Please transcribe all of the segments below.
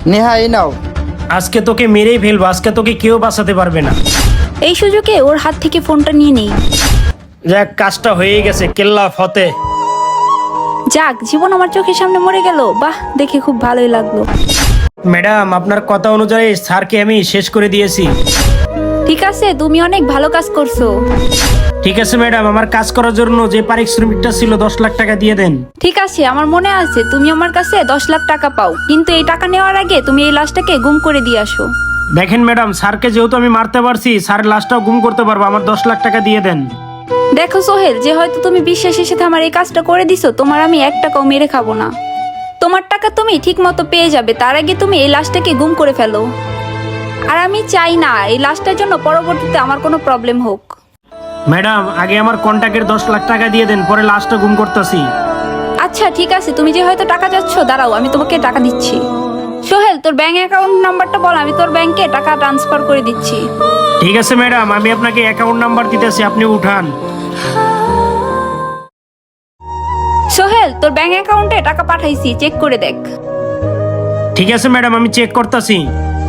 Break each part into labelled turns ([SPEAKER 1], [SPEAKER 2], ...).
[SPEAKER 1] নেহা এই নাও।
[SPEAKER 2] আজকে তোকে মেরেই ফেলবো, আজকে তোকে কেউ বাঁচাতে পারবে না।
[SPEAKER 3] এই সুযোগে ওর হাত থেকে ফোনটা নিয়ে নেই।
[SPEAKER 2] যাক, কাজটা হয়ে গেছে, কেল্লা ফতে।
[SPEAKER 3] যাক, জীবন আমার চোখের সামনে মরে গেল। বাহ, দেখে খুব ভালোই লাগলো।
[SPEAKER 2] ম্যাডাম, আপনার কথা অনুযায়ী স্যারকে আমি শেষ করে দিয়েছি।
[SPEAKER 3] ঠিক আছে, তুমি অনেক ভালো কাজ করছো।
[SPEAKER 2] ঠিক আছে ম্যাডাম, আমার কাজ করার জন্য যে পারিশ্রমিকটা ছিল 10 লাখ টাকা দিয়ে দেন।
[SPEAKER 3] ঠিক আছে, আমার মনে আছে তুমি আমার কাছে 10 লাখ টাকা পাও, কিন্তু এই টাকা নেওয়ার আগে তুমি এই লাশটাকে গুম করে দিয়ে আসো।
[SPEAKER 2] দেখেন ম্যাডাম, স্যারকে যেহেতু আমি মারতে পারছি, স্যারের লাশটাও গুম করতে পারবো। আমার 10 লাখ টাকা দিয়ে দেন।
[SPEAKER 3] দেখো সোহেল, যে হয়তো তুমি বিশ্বাসের সাথে আমার এই কাজটা করে দিছো, তোমার আমি 1 টাকাও মেরে খাবো না। তোমার টাকা তুমি ঠিক মতো পেয়ে যাবে, তার আগে তুমি এই লাশটাকে গুম করে ফেলো। আর আমি চাই না এই লাশটার জন্য পরবর্তীতে আমার কোনো প্রবলেম হোক।
[SPEAKER 2] ম্যাডাম, আগে আমার কন্ট্যাক্টের 10 লাখ টাকা দিয়ে দেন, পরে লাশটা গুম করতেছি।
[SPEAKER 3] আচ্ছা ঠিক আছে, তুমি যে হয়তো টাকা চাচ্ছ, দাঁড়াও আমি তোমাকে টাকা দিচ্ছি। সোহেল, তোর ব্যাংক অ্যাকাউন্ট নাম্বারটা বল, আমি তোর ব্যাংকে টাকা ট্রান্সফার করে দিচ্ছি।
[SPEAKER 2] ঠিক আছে ম্যাডাম, আমি আপনাকে অ্যাকাউন্ট নাম্বার দিতেছি, আপনি উঠান।
[SPEAKER 3] সোহেল, তোর ব্যাংক অ্যাকাউন্টে টাকা পাঠাইছি, চেক করে দেখ।
[SPEAKER 2] ঠিক আছে ম্যাডাম, আমি চেক করতেছি।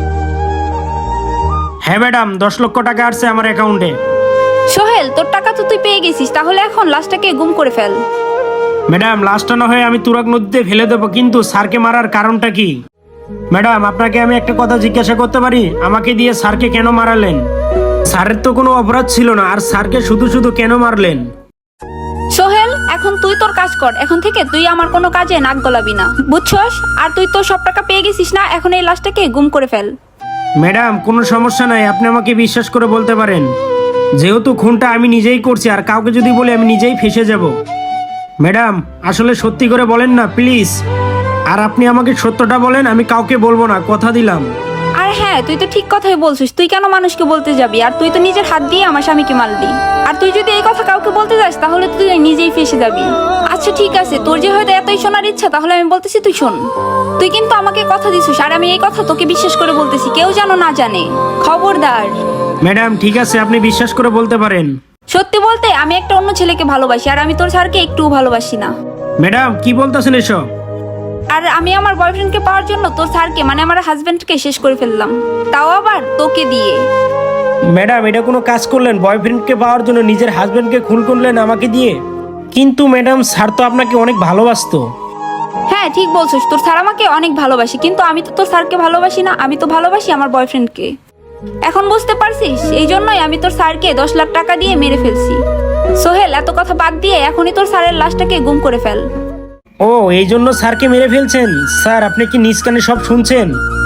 [SPEAKER 2] হ্যাঁ ম্যাডাম, 10 লক্ষ টাকা আসছে আমার অ্যাকাউন্টে।
[SPEAKER 3] সোহেল, তোর টাকা তো তুই পেয়ে গেছিস, তাহলে এখন লাশটাকে গুম করে ফেল।
[SPEAKER 2] ম্যাডাম, লাশটা না হয়ে আমি তুরাগ নদীতে ফেলে দেবো, কিন্তু স্যারকে মারার কারণটা কি? ম্যাডাম, আপনাকে আমি একটা কথা জিজ্ঞাসা করতে পারি? আমাকে দিয়ে স্যারকে কেন মারালেন? স্যারের তো কোনো অপরাধ ছিল না, আর স্যারকে শুধু শুধু কেন মারলেন?
[SPEAKER 3] সোহেল, এখন তুই তোর কাজ কর, এখন থেকে তুই আমার কোনো কাজে নাক গলাবি না, বুঝছস? আর তুই তো সব টাকা পেয়ে গেছিস না, এখন এই লাশটাকে গুম করে ফেল।
[SPEAKER 2] ম্যাডাম, কোনো সমস্যা নাই, আপনি আমাকে বিশ্বাস করে বলতে পারেন। যেহেতু খুনটা আমি নিজেই করছি, আর কাউকে যদি বলি আমি নিজেই ফেঁসে যাব। ম্যাডাম, আসলে সত্যি করে বলেন না প্লিজ। আর আপনি আমাকে সত্যটা বলেন, আমি কাউকে বলবো না, কথা দিলাম।
[SPEAKER 3] আর হ্যাঁ, তুই তো ঠিক কথাই বলছিস, তুই কেন মানুষকে বলতে যাবি? আর তুই তো নিজের হাত দিয়ে আমার স্বামীকে মারলি, আর তুই যদি এই কথা কাউকে বলতে যাস তাহলে তুই নিজেই ফেঁসে যাবি। আচ্ছা ঠিক আছে, তোর যে হয়তো এতই শোনার ইচ্ছা, তাহলে আমি বলতেছি তুই শোন। তুই কিন্তু আমাকে কথা দিছিস, আর আমি এই কথা তোকে বিশ্বাস করে বলতেছি, কেউ যেন না জানে, খবরদার।
[SPEAKER 2] ম্যাডাম ঠিক আছে, আপনি বিশ্বাস করে বলতে পারেন।
[SPEAKER 3] সত্যি বলতে, আমি একটা অন্য ছেলেকে ভালোবাসি, আর আমি তোর স্যারকে একটুও ভালোবাসি না।
[SPEAKER 2] ম্যাডাম কি বলতেছেন এসব?
[SPEAKER 3] আর আমি আমার বয়ফ্রেন্ডকে পাওয়ার জন্য তোর স্যারকে, মানে আমার হাজবেন্ডকে শেষ করে ফেললাম, তাও আবার তোকে দিয়ে।
[SPEAKER 2] ম্যাডাম, এটা কোনো কাজ করলেন? বয়ফ্রেন্ডকে পাওয়ার জন্য নিজের হাজবেন্ডকে খুন করলেন আমাকে দিয়ে? কিন্তু ম্যাডাম, স্যার তো আপনাকে অনেক ভালোবাসতো।
[SPEAKER 3] হ্যাঁ ঠিক বলছিস, তোর স্যার আমাকে অনেক ভালোবাসে, কিন্তু আমি তো তোর স্যারকে ভালোবাসি না, আমি তো ভালোবাসি আমার বয়ফ্রেন্ডকে। এখন বুঝতে পারছিস? এই জন্যই আমি তোর স্যারকে 10 লাখ টাকা দিয়ে মেরে ফেলছি। সোহেল, এত কথা বাদ দিয়ে এখনই তোর স্যারের লাশটাকে গুম করে ফেল।
[SPEAKER 2] ও, এই জন্য স্যারকে মেরে ফেলছেন? স্যার, আপনি কি নিজ কানে সব শুনছেন?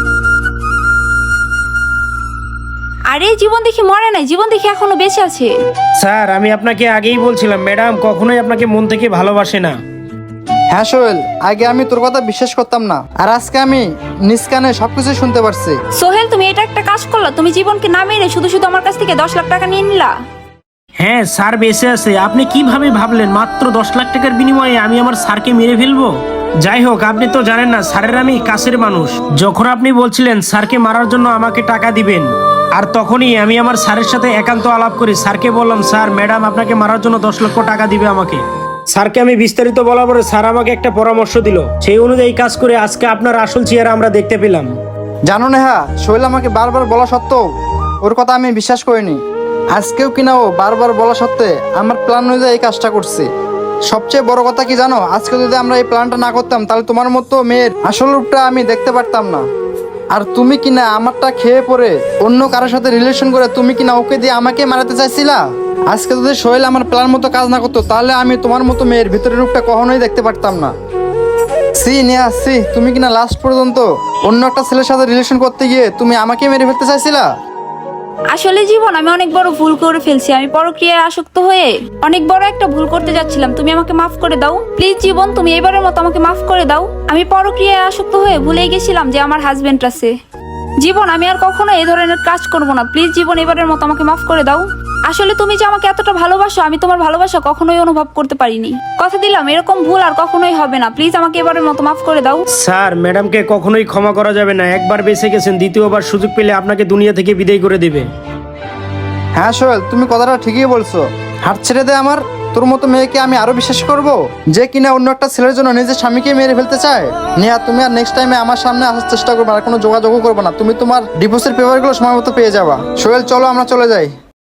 [SPEAKER 3] আরে, জীবন দেখি মরে নাই, জীবন দেখি এখনো বেঁচে আছে।
[SPEAKER 2] স্যার, আমি আপনাকে আগেই বলছিলাম, ম্যাডাম কখনোই আপনাকে মন থেকে ভালোবাসে না।
[SPEAKER 1] হ্যাঁ সোহেল, আগে আমি তোর কথা বিশ্বাস করতাম না, আর আজকে আমি নিজ কানে সবকিছু শুনতে পারছি।
[SPEAKER 3] সোহেল, তুমি এটা একটা কাজ করলা, তুমি জীবনকে না মেরে শুধু শুধু আমার কাছ থেকে 10 লাখ টাকা নিয়ে নিলা।
[SPEAKER 2] হ্যাঁ, স্যার বেঁচে আছে। আপনি কিভাবে ভাবলেন মাত্র 10 লাখ টাকার বিনিময়ে আমি আমার স্যারকে মেরে ফেলবো? যাই হোক, আপনি তো জানেন না স্যারের আমি কাছের মানুষ। যখন আপনি বলছিলেন স্যারকে মারার জন্য আমাকে টাকা দিবেন, আর তখনই আমি আমার স্যারের সাথে একান্ত আলাপ করি। স্যারকে বললাম, স্যার ম্যাডাম আপনাকে মারার জন্য 10 লক্ষ টাকা দিবে আমাকে। স্যারকে আমি বিস্তারিত বলার পরে স্যার আমাকে একটা পরামর্শ দিল, সেই অনুযায়ী কাজ করে আজকে আপনার আসল চেহারা আমরা দেখতে পেলাম।
[SPEAKER 1] জানো নেহা, সোহেল আমাকে বারবার বলা সত্ত্বেও ওর কথা আমি বিশ্বাস করিনি। আজকেও কিনা ও বারবার বলা সত্ত্বে আমার প্ল্যান অনুযায়ী এই কাজটা করছে। সবচেয়ে বড় কথা কি জানো, আজকে যদি আমরা এই প্ল্যানটা না করতাম, তাহলে তোমার মতো মেয়ের আসল রূপটা আমি দেখতে পারতাম না। আর তুমি কিনা আমারটা খেয়ে পরে অন্য কারোর সাথে রিলেশন করে তুমি কিনা ওকে দিয়ে আমাকে মারাতে চাইছিলা। আজকে যদি সোহেল আমার প্ল্যান মতো কাজ না করতো, তাহলে আমি তোমার মতো মেয়ের ভিতরের রূপটা কখনোই দেখতে পারতাম না। সি নেহা, সি, তুমি কিনা লাস্ট পর্যন্ত অন্য একটা ছেলের সাথে রিলেশন করতে গিয়ে তুমি আমাকে মেরে ফেলতে চাইছিলা।
[SPEAKER 3] আসলে জীবন, আমি অনেক বড় ভুল করে ফেলছি, আমি পরক্রিয়ায় আসক্ত হয়ে অনেক বড় একটা ভুল করতে যাচ্ছিলাম, তুমি আমাকে মাফ করে দাও প্লিজ। জীবন, তুমি এবারের মতো আমাকে মাফ করে দাও। আমি পরক্রিয়ায় আসক্ত হয়ে ভুলেই গেছিলাম যে আমার হাজবেন্ড আছে। জীবন, আমি আর কখনো এই ধরনের কাজ করবো না, প্লিজ জীবন, এবারের মতো আমাকে মাফ করে দাও। আসলে তুমি যে আমাকে এতটা ভালোবাসো, আমি তোমার ভালোবাসা কখনোই অনুভব করতে পারিনি। কথা দিলাম এরকম ভুল আর কখনোই হবে না, প্লিজ আমাকে এবারের মতো মাফ করে দাও।
[SPEAKER 2] স্যার, ম্যাডামকে কখনোই ক্ষমা করা যাবে না। একবার বেঁচে গেছেন, দ্বিতীয়বার সুযোগ পেলে আপনাকে দুনিয়া থেকে বিদায় করে দেবে।
[SPEAKER 1] হ্যাঁ সোহেল, তুমি কথাটা ঠিকই বলছো। হাত ছেড়ে দে আমার। তোর মতো মেয়েকে আমি আরো বিশ্বাস করব, যে কিনা অন্য একটা ছেলের জন্য নিজের স্বামীকে মেরে ফেলতে চায়। নিয়া, তুমি আর নেক্সট টাইমে আমার সামনে আসার চেষ্টা করবে, আর কোনো যোগাযোগও করবে না। তুমি তোমার ডিভোর্সের পেপারগুলো সময় মতো পেয়ে যাবা। সোহেল, চলো আমরা চলে যাই।